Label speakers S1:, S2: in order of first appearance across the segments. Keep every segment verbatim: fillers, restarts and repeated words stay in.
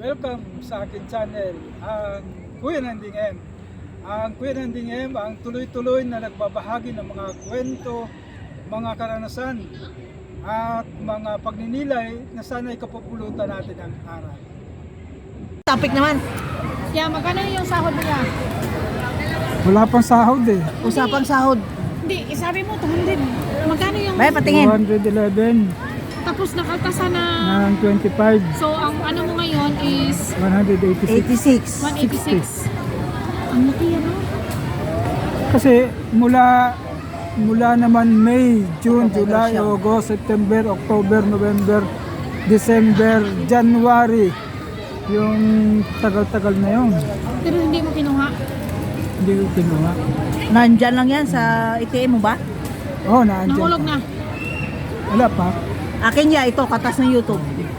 S1: Welcome sa akin channel, ang Kuya Nanding M. Ang Kuya Nanding M ang tuloy-tuloy na nagbabahagi ng mga kwento, mga karanasan at mga pagninilay na sana'y kapupulutan natin ang aral.
S2: Topic naman.
S3: Yeah, magkano yung sahod mo niya?
S1: Wala pang sahod eh.
S2: Usapang sahod.
S3: Hindi, isabi mo two hundred. Magkano yung...
S2: Bay, patingin.
S1: two hundred eleven
S3: Tapos nakaltasan na...
S1: ng twenty-five,
S3: So, ang ano mo ngayon is
S1: one eighty-six.
S2: eighty-six.
S3: one eighty-six. Ang laki ano?
S1: Kasi mula mula naman May, June,
S2: October
S1: July,
S2: siya.
S1: August, September, October, November, December, January. Yung tagal-tagal na yun.
S3: Pero hindi mo kinuha.
S1: Hindi ko kinuha.
S2: Nandyan lang yan sa A T M mo ba?
S1: Oh, naandyan.
S3: Nahulog na.
S1: Wala pa.
S2: Akin ya, ito, katas ng YouTube.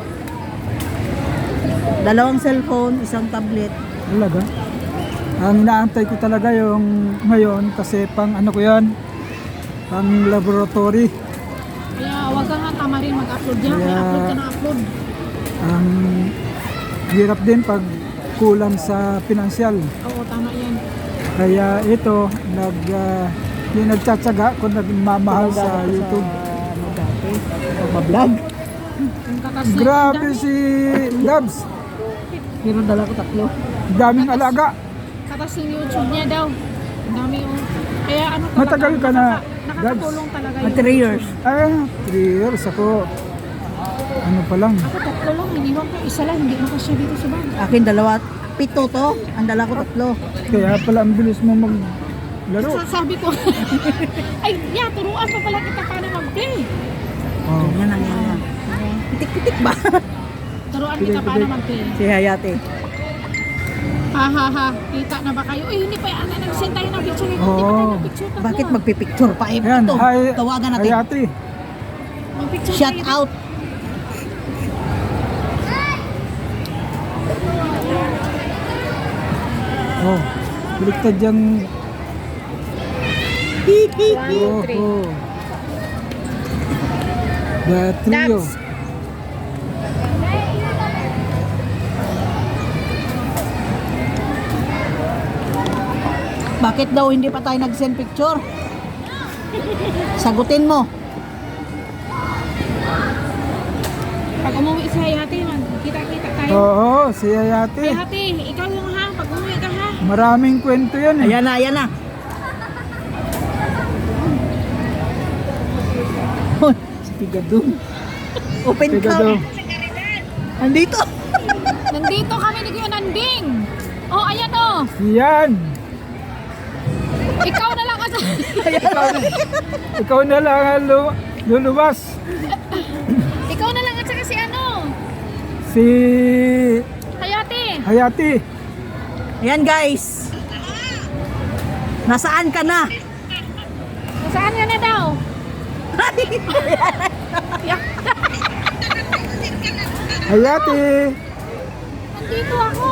S2: Dalawang cellphone, isang tablet.
S1: Talaga. Ang inaantay ko talaga yung ngayon kasi pang ano ko yan, pang laboratory.
S3: Kaya huwag ka nga tama rin mag-upload yan. Kaya
S1: Kaya-
S3: upload ka na upload.
S1: Ang hirap din pag kulang sa pinansyal.
S3: Oo, tama yan.
S1: Kaya ito, nag, uh, yung nagtsatsaga kung nagmamahal sa YouTube.
S2: Ano dati? Pag-vlog.
S3: Yung katas na
S1: Grabe
S3: yung dami.
S1: si Dabs.
S2: Pero dala ko tatlo.
S1: Daming alaga.
S3: Katas yung YouTube niya daw. Ang dami yung... Kaya ano talaga.
S1: Matagal ka na,
S3: nakaka- Nakakatulong talaga
S2: Mga three years.
S1: Ay, three years ako. Ano pa lang.
S3: Ako tatlo lang. Iniwan ko isa lang. Hindi makasya dito sa bag.
S2: Akin dalawa. Pito to. Ang dala ko tatlo.
S1: Kaya pala ang bilis mo maglaro.
S3: So, sabi ko, ay, yeah, turuan pa pala kita paano mag-play.
S1: Oh.
S2: Yan ang yan. Pitik-pitik ba?
S3: Turuan kita paano mag-play.
S2: Si Hayate.
S3: Ha ha ha, kita na ba kayo? Eh, hindi pa yan. Nag-send tayo ng picture. Hindi
S1: Oo.
S3: pa tayo ng-picture. tatlo.
S2: Bakit magpipicture pa? Eh,
S1: Ayan,
S2: ito.
S1: hi,
S2: Tawagan
S1: hi
S2: natin.
S1: ate.
S3: Mag-picture
S2: Shout
S3: tayo.
S2: out.
S1: Oh, baliktad yung...
S3: One,
S1: Oh,
S3: three.
S1: oh. The trio.
S3: Dabs.
S2: Bakit daw hindi pa tayo nag-send picture? Sagutin mo.
S3: Pag umuwi si Hayati, kita-kita tayo.
S1: Oo, si Hayate.
S3: Hayati, ikaw yung ha. Pag umuwi ka ha.
S1: Maraming kwento yan eh.
S2: Ayan na, ayan na. Hoy, si Pigadong. Open
S1: Pigadong.
S2: cam. Andito.
S3: Nandito kami ni Kuya Nanding. Oh, ayan oh.
S1: Yan.
S3: Ikaw na lang kasi.
S1: Ikaw na lang ang lu- luluwas.
S3: Ikaw na lang at saka si ano.
S1: Si
S3: Hayati.
S1: Hayati.
S2: Ayan guys. Nasaan ka na?
S3: Saan ka na daw?
S1: Hayati.
S3: Nandito ako.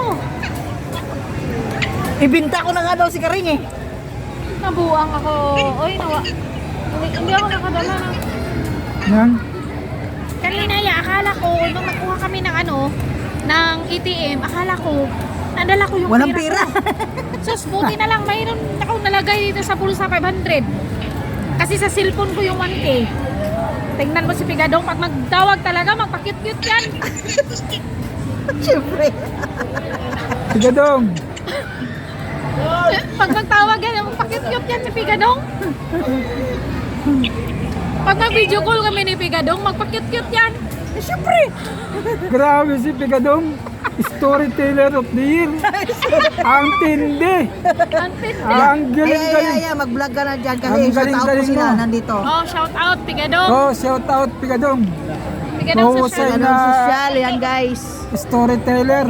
S2: Ibinta ko na nga daw si Karing eh.
S3: Nabuang ako. Oy, nawa. Hindi, hindi ako nakadala ng...
S1: Yan.
S3: Kanina ya, akala ko, nung nakuha kami ng ano, ng A T M, akala ko, nadala ko yung
S2: Walang
S3: pera.
S2: pera.
S3: ko. Sus, buti na lang, mayroon akong nalagay dito sa bulsa five hundred. Kasi sa cellphone ko yung one K. Tingnan mo si Pigadong, pag magtawag talaga, magpa-cute-cute yan.
S2: Siyempre.
S1: Pigadong.
S3: Pag magtawag yan, magpa-cute-cute yan si Pigadong. Pag mag-video call kami ni Pigadong, magpa-cute-cute yan. Eh, syempre.
S1: Grabe si Pigadong. Storyteller of the year. Ang tindi.
S3: Ang tindi.
S1: Ang
S2: Ay, ay,
S1: galing-galing.
S2: ay, ay, mag-vlog ka na dyan kasi
S1: Ang
S2: sa tao ko
S1: galing-galing
S2: sila
S1: mo.
S2: nandito.
S3: Oh, shout out, Pigadong.
S1: Oh, shout out Pigadong.
S3: Pigadong sa
S1: mahusay
S3: shout
S2: Ano
S1: na-
S2: social, yan guys.
S1: Storyteller.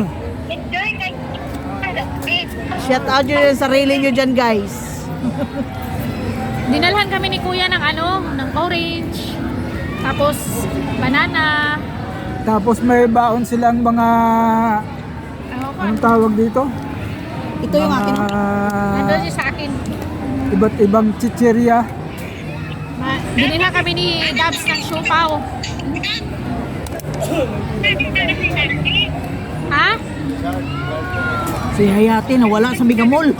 S2: Shout out nyo yung sarili nyo dyan guys.
S3: Dinalhan kami ni Kuya ng ano, ng orange. Tapos banana.
S1: Tapos may baon silang mga
S3: Ano ko?
S1: anong tawag dito?
S2: Ito yung akin.
S3: Nandun
S1: Mga
S3: siya sa akin.
S1: iba't ibang chicheria.
S3: Ma- Binila kami ni Dabs ng siopaw. Ha?
S2: Si Hayati nawala sa Mega Mall.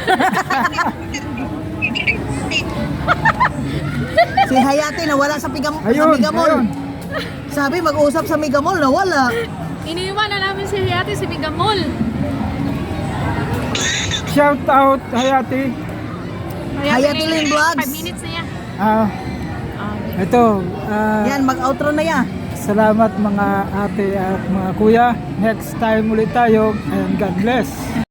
S2: Si Hayati nawala sa, Piga, sa
S1: Ayun,
S2: Mega Mall.
S1: ayun.
S2: Sabi mag-usap sa Mega Mall, nawala.
S3: Iniwan na namin si Hayati si Bigamol.
S1: Shout out Hayati.
S2: Hayati Lin Vlogs.
S3: five minutes na yan.
S1: Ah,
S3: Ah,
S1: ito, ah,
S2: Yan, mag-outro na yan.
S1: salamat mga ate at mga kuya. Next time ulit tayo and God bless.